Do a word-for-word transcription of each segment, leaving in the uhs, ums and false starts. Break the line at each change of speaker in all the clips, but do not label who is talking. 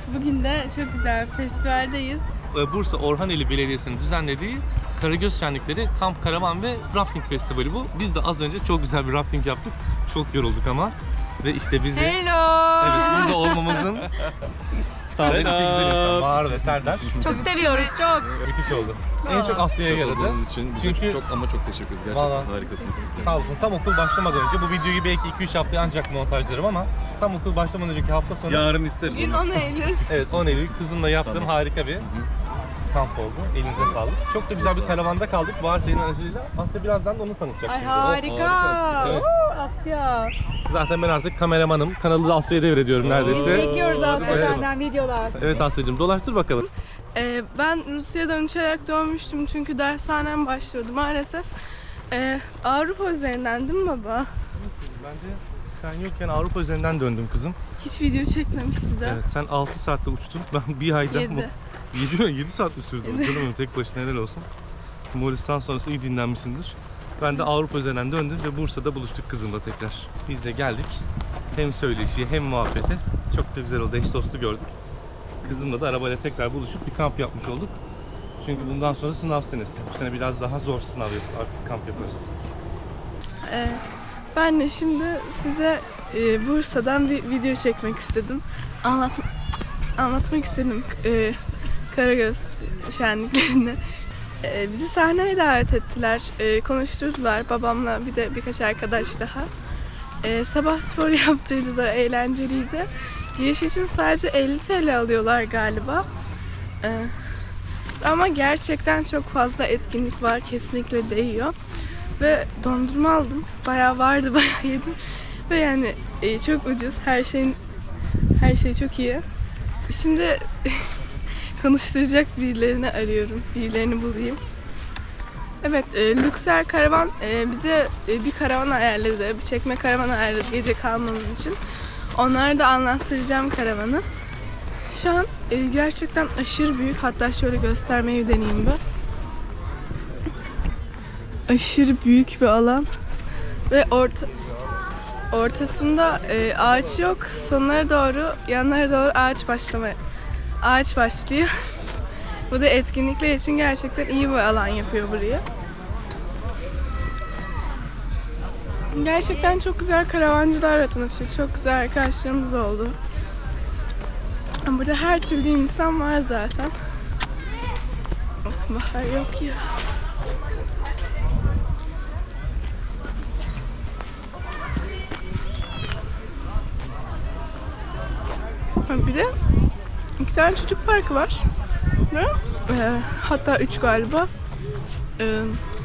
bugün de çok güzel bir festivaldeyiz.
Bursa Orhaneli Belediyesi'nin düzenlediği Karagöz Şenlikleri Kamp Karavan ve Rafting Festivali bu. Biz de az önce çok güzel bir rafting yaptık. Çok yorulduk ama. Ve işte bizi...
Hello!
Evet, burada olmamızın sağlayan iki güzel insan. Bahar ve Serdar.
Çok seviyoruz, çok.
Müthiş oldu. En çok Asya'ya yaradı.
Katıldığınız için bize
Çünkü
çok ama çok teşekkür ederiz. Gerçekten
Vallahi
harikasınız siz de.
Sağ olsun. Tam okul başlamadan önce bu videoyu belki iki üç haftaya ancak montajlarım ama tam okul başlamadan önceki hafta sonu...
Yarın isteriz.
Bugün
onu.
on Eylül.
Evet, on Eylül kızımla yaptığım
Tamam.
harika bir kamp oldu. Elinize sağlık. Çok da güzel bir karavanda kaldık. Bahar senin aracılığıyla. Asya birazdan da onu tanıtacak
Ay
şimdi.
harika.
harikasın.
Evet.
Oo, Asya.
Zaten ben artık kameramanım. Kanalı da Asya'ya devrediyorum
Biz
neredeyse.
bekliyoruz Asya
Evet.
senden videolar.
Evet Asya'cığım, dolaştır bakalım.
Ee, ben Rusya'dan uçarak dönmüştüm çünkü dershanem başlıyordu maalesef. Ee, Avrupa üzerinden değil mi baba?
Ben de sen yokken Avrupa üzerinden döndüm kızım.
Hiç video çekmemişti de.
Evet, sen altı saatte uçtun. Ben bir ayda...
Yedi.
yedi yedi saat mi sürdü?
Yedi.
Canım benim, tek başına helal olsun. Moğolistan sonrası iyi dinlenmişsindir. Ben de Avrupa üzerinden döndüm ve Bursa'da buluştuk kızımla tekrar. Biz de geldik. Hem söyleşiye hem muhabbete. Çok da güzel oldu. Eş dostu gördük. Kızımla da arabayla tekrar buluşup bir kamp yapmış olduk. Çünkü bundan sonra sınav senesi. Bu sene biraz daha zor sınav yapıp artık kamp yaparız.
Ee, ben de şimdi size e, Bursa'dan bir video çekmek istedim. Anlat anlatmak istedim e, Karagöz şenliklerini. E, bizi sahneye davet ettiler, e, konuşturdular babamla bir de birkaç arkadaş daha. E, sabah spor yaptırdılar, eğlenceliydi. Giriş için sadece elli TL alıyorlar galiba. E, ama gerçekten çok fazla etkinlik var, kesinlikle değiyor. Ve dondurma aldım. Bayağı vardı, bayağı yedim. Ve yani e, çok ucuz. Her şeyin her şey çok iyi. Şimdi konuşturacak birilerini arıyorum. Birilerini bulayım. Evet, e, Luxer Karavan e, bize e, bir karavan ayarladı. Bir çekme karavan ayarladı gece kalmamız için. Onlara da anlattıracağım karavanı. Şu an e, gerçekten aşırı büyük. Hatta şöyle göstermeyi deneyeyim ben. Aşırı büyük bir alan ve orta ortasında e, ağaç yok. Sonlara doğru, yanlara doğru ağaç başlamaya ağaç başlıyor. Bu da etkinlikler için gerçekten iyi bir alan yapıyor burayı. Gerçekten çok güzel karavancılarla tanıştık. Çok güzel arkadaşlarımız oldu. Burada her türlü insan var zaten. Bahar yok ya. Bir de iki tane çocuk parkı var. Ve, e, hatta üç galiba. E,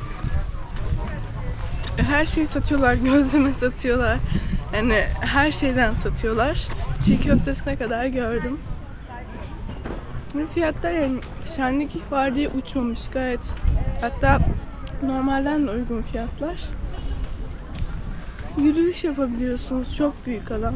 her şeyi satıyorlar, gözleme satıyorlar. Yani her şeyden satıyorlar. Çiğ köftesine kadar gördüm. Ve fiyatlar yani şenlik var diye uçmamış gayet. Hatta normalden de uygun fiyatlar. Yürüyüş yapabiliyorsunuz. Çok büyük alan.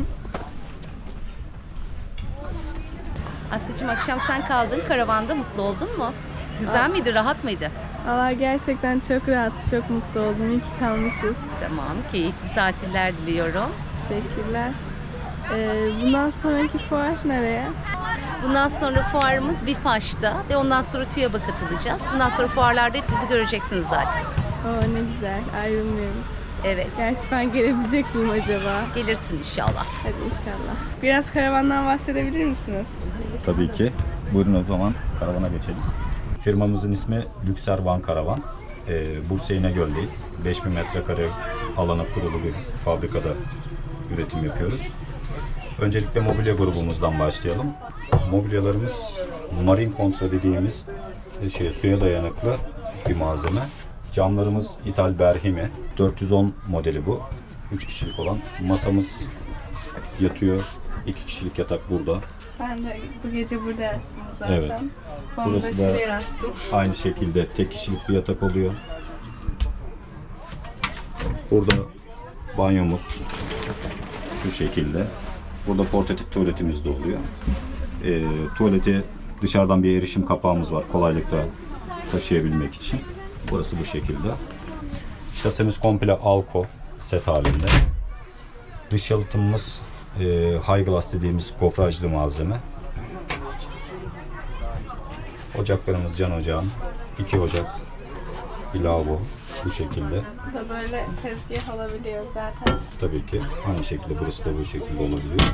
Asya'cığım, akşam sen kaldın karavanda, mutlu oldun mu? Güzel miydi, rahat mıydı?
Valla gerçekten çok rahat, çok mutlu oldum. İyi ki kalmışız.
Tamam, keyifli tatiller diliyorum.
Teşekkürler. Ee, bundan sonraki fuar nereye?
Bundan sonra fuarımız Bifaş'ta ve ondan sonra TÜYAB'a katılacağız. Bundan sonra fuarlarda hep bizi göreceksiniz zaten.
Oo ne güzel, ayrılmıyoruz.
Evet,
Gerçi ben gelebilecek miyim acaba?
gelirsin inşallah.
Hadi inşallah. Biraz karavandan bahsedebilir misiniz?
Tabii ki. Buyurun o zaman karavana geçelim. Firmamızın ismi Luxer Van Karavan. Ee, Bursa İnegöl'deyiz. beş bin metrekare alana kurulu bir fabrikada üretim yapıyoruz. Öncelikle mobilya grubumuzdan başlayalım. Mobilyalarımız Marine Contra dediğimiz şey, suya dayanıklı bir malzeme. Camlarımız İthal Berhime. dört yüz on modeli bu. üç kişilik olan. Masamız yatıyor. iki kişilik yatak burada.
Ben de bu gece burada yattım zaten.
Evet.
Onu da
Burası da
şuraya yattım.
aynı şekilde tek kişilik bir yatak oluyor. Burada banyomuz şu şekilde. Burada portatif tuvaletimiz de oluyor. E, tuvaleti dışarıdan bir erişim kapağımız var kolaylıkla taşıyabilmek için. Burası bu şekilde. Şasemiz komple Alco set halinde. Dış yalıtımımız e, High Glass dediğimiz gofrajlı malzeme. Ocaklarımız can ocağın. iki ocak, bir lavabo bu şekilde.
Bu da böyle tezgah olabiliyor zaten.
Tabii ki aynı şekilde burası da bu şekilde olabiliyor.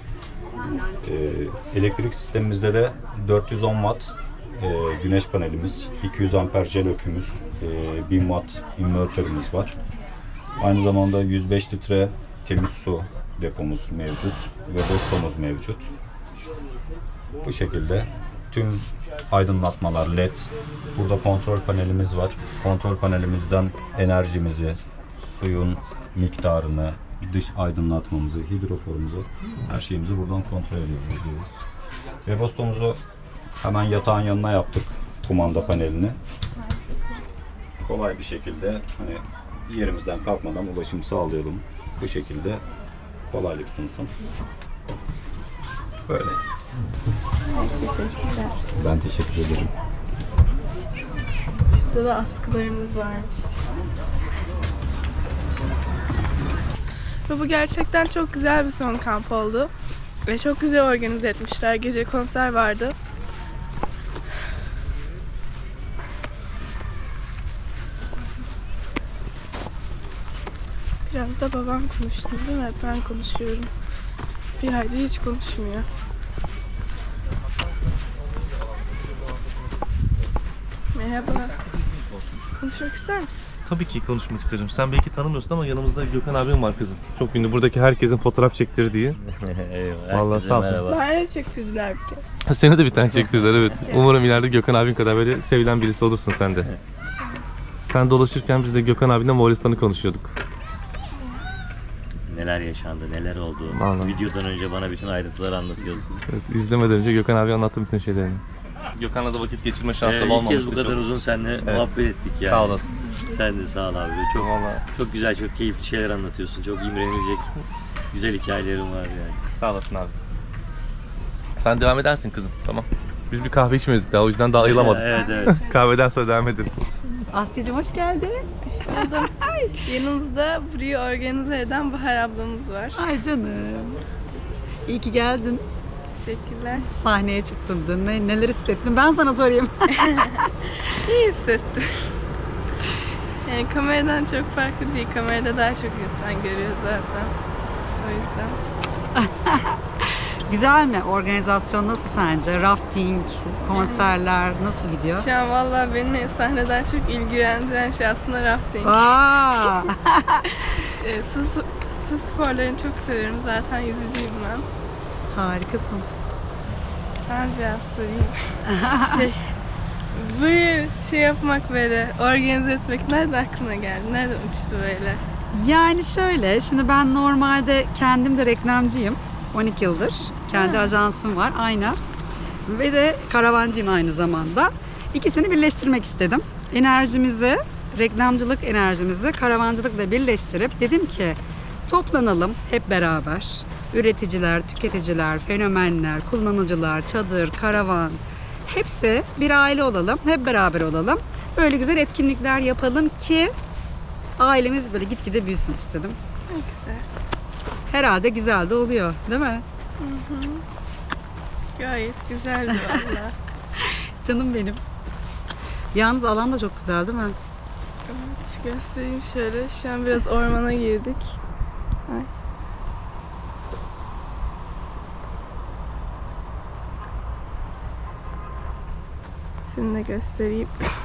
Ee, elektrik sistemimizde de dört yüz on watt e, güneş panelimiz, iki yüz amper jel ökümüz, e, bin watt invertörümüz var. Aynı zamanda yüz beş litre temiz su depomuz mevcut ve dostomuz mevcut. Bu şekilde tüm aydınlatmalar led. Burada kontrol panelimiz var. Kontrol panelimizden enerjimizi, suyun miktarını, dış aydınlatmamızı, hidroforumuzu, her şeyimizi buradan kontrol ediyoruz. Webastomuzu hemen yatağın yanına yaptık, kumanda panelini. Kolay bir şekilde hani yerimizden kalkmadan ulaşım sağlayalım. Bu şekilde kolaylık sunsun. Böyle.
Teşekkürler.
Ben teşekkür ederim.
Şurada da askılarımız varmış. Ve bu gerçekten çok güzel bir son kamp oldu. Ve çok güzel organize etmişler. Gece konser vardı. Biraz da babam konuştu değil mi? Hep ben konuşuyorum. Bir ayda hiç konuşmuyor. Merhaba. Konuşmak ister misin?
Tabii ki konuşmak isterim. Sen belki tanımıyorsun ama yanımızda Gökhan abim var kızım. Çok ünlü. Buradaki herkesin fotoğraf çektirdiği.
Eyvallah.
Vallahi sağ olsun.
Merhaba.
Bana çektirdiler bir kez.
Seni de bir tane çektirdiler evet. Umarım ileride Gökhan abin kadar böyle sevilen birisi olursun sen de. Sen dolaşırken biz de Gökhan abinle Moğolistan'ı konuşuyorduk.
Neler yaşandı, neler oldu.
Vallahi.
Videodan önce bana bütün ayrıntıları anlatıyordun.
Evet, izlemeden önce Gökhan abi anlattı bütün şeylerini. Gökhan'la da vakit geçirme şansım
Ee, ilk
olmamıştı.
kez bu kadar
çok.
uzun seninle muhabbet ettik yani.
Sağ olasın.
Sen de sağ ol abi. Çok,
Vallahi.
çok güzel, çok keyifli şeyler anlatıyorsun. Çok imrenilecek güzel hikayelerin var yani.
Sağ olasın abi. Sen devam edersin kızım tamam. Biz bir kahve içmedik daha o yüzden daha ayılamadık.
Evet evet.
Kahveden sonra devam ederiz.
Asya'cığım hoş geldin.
Yanımızda burayı organize eden Bahar ablamız var.
Ay canım. İyi ki geldin.
Teşekkürler.
Sahneye çıktın dün. Ne- Neler hissettin? Ben sana sorayım.
İyi hissettim. Yani kameradan çok farklı değil. Kamerada daha çok insan görüyor zaten. O yüzden.
Güzel mi? Organizasyon nasıl sence? Rafting, konserler nasıl gidiyor?
Şu an vallahi beni sahneden çok ilgilendiren şey aslında rafting.
Aa!
Ee, su, su, su sporlarını çok seviyorum. Zaten yüzücüyüm ben.
Harikasın.
Ben biraz sorayım. şey, böyle şey yapmak böyle, organize etmek nereden aklına geldi? Nereden uçtu böyle?
Yani şöyle, şimdi ben normalde kendim de reklamcıyım. on iki yıldır. Kendi ajansım var, aynen. Ve de karavancıyım aynı zamanda. İkisini birleştirmek istedim. Enerjimizi, reklamcılık enerjimizi karavancılıkla birleştirip dedim ki toplanalım hep beraber. Üreticiler, tüketiciler, fenomenler, kullanıcılar, çadır, karavan hepsi bir aile olalım, hep beraber olalım. Böyle güzel etkinlikler yapalım ki ailemiz böyle gitgide büyüsün istedim.
Ne güzel.
Herhalde güzel de oluyor, değil mi?
Gayet güzeldi valla.
Canım benim. Yalnız alan da çok güzel değil mi?
Evet, göstereyim şöyle. Şu an biraz ormana girdik. Ay. Seni de göstereyim.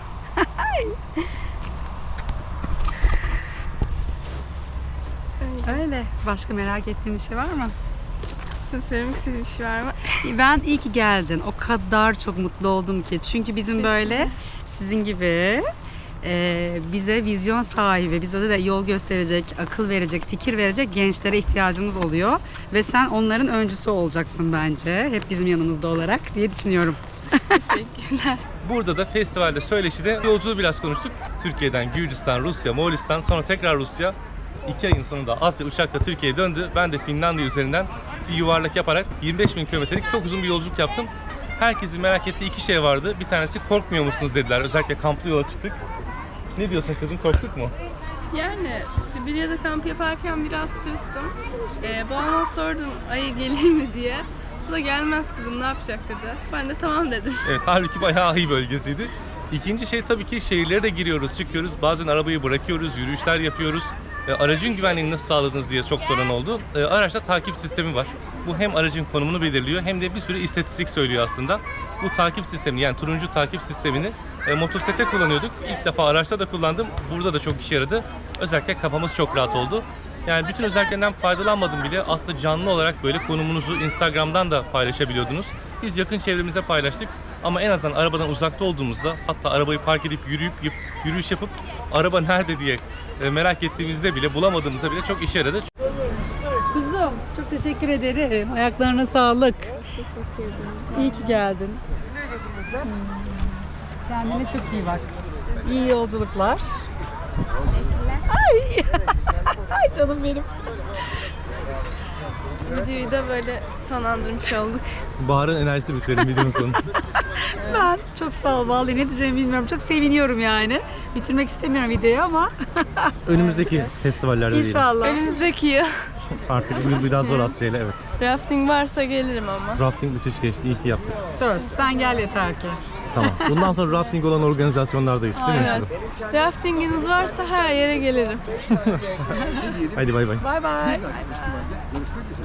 Öyle. Başka merak ettiğin bir şey var mı?
Sen söylemek istediğin bir şey var mı?
Ben iyi ki geldin. O kadar çok mutlu oldum ki. Çünkü bizim böyle sizin gibi e, bize vizyon sahibi, bize de yol gösterecek, akıl verecek, fikir verecek gençlere ihtiyacımız oluyor. Ve sen onların öncüsü olacaksın bence. Hep bizim yanımızda olarak diye düşünüyorum.
Teşekkürler.
Burada da festivalde söyleşide yolculuğu biraz konuştuk. Türkiye'den Gürcistan, Rusya, Moğolistan sonra tekrar Rusya. İki ayın sonunda Asya uçakla Türkiye'ye döndü. Ben de Finlandiya üzerinden bir yuvarlak yaparak yirmi beş bin kilometrelik çok uzun bir yolculuk yaptım. Herkesin merak ettiği iki şey vardı. Bir tanesi korkmuyor musunuz dediler. Özellikle kamplı yola çıktık. Ne diyorsun kızım, korktuk mu?
Yani Sibirya'da kamp yaparken biraz tırstım. Ee, babama sordum ayı gelir mi diye. Bu da gelmez kızım ne yapacak dedi. Ben de tamam dedim.
Evet, halbuki bayağı iyi bölgesiydi. İkinci şey tabii ki şehirlere de giriyoruz, çıkıyoruz. Bazen arabayı bırakıyoruz, yürüyüşler yapıyoruz. E, aracın güvenliğini nasıl sağladınız diye çok soran oldu. E, araçta takip sistemi var. Bu hem aracın konumunu belirliyor hem de bir sürü istatistik söylüyor aslında. Bu takip sistemini, yani turuncu takip sistemini e, motosiklette kullanıyorduk. İlk defa araçta da kullandım. Burada da çok işe yaradı. Özellikle kafamız çok rahat oldu. Yani bütün özelliklerinden faydalanmadım bile. Aslında canlı olarak böyle konumunuzu Instagram'dan da paylaşabiliyordunuz. Biz yakın çevremize paylaştık. Ama en azından arabadan uzakta olduğumuzda, hatta arabayı park edip yürüyüp yürüyüş yapıp araba nerede diye merak ettiğimizde bile, bulamadığımızda bile çok işe yaradı.
Kuzum çok teşekkür ederim. Ayaklarına sağlık. İyi ki geldin. Hmm. Kendine çok iyi bak. İyi yolculuklar. Ay. Ay canım benim.
Videoyu da böyle sonlandırmış olduk.
Bahar'ın enerjisi bitirelim videonun sonu.
Ben çok sağ ol. Vallahi ne diyeceğimi bilmiyorum. Çok seviniyorum yani. Bitirmek istemiyorum videoyu ama
Önümüzdeki festivallerde
inşallah.
Önümüzdeki yıl
Artık biraz zor Asya'yla, evet.
rafting varsa gelirim ama.
Rafting müthiş geçti, iyi ki yaptık.
Söz. Sen gel yeter ki.
Tamam. Bundan sonra rafting olan organizasyonlardayız değil mi?
Evet. Raftinginiz varsa her yere gelirim.
Haydi bay bay.
Bay bay.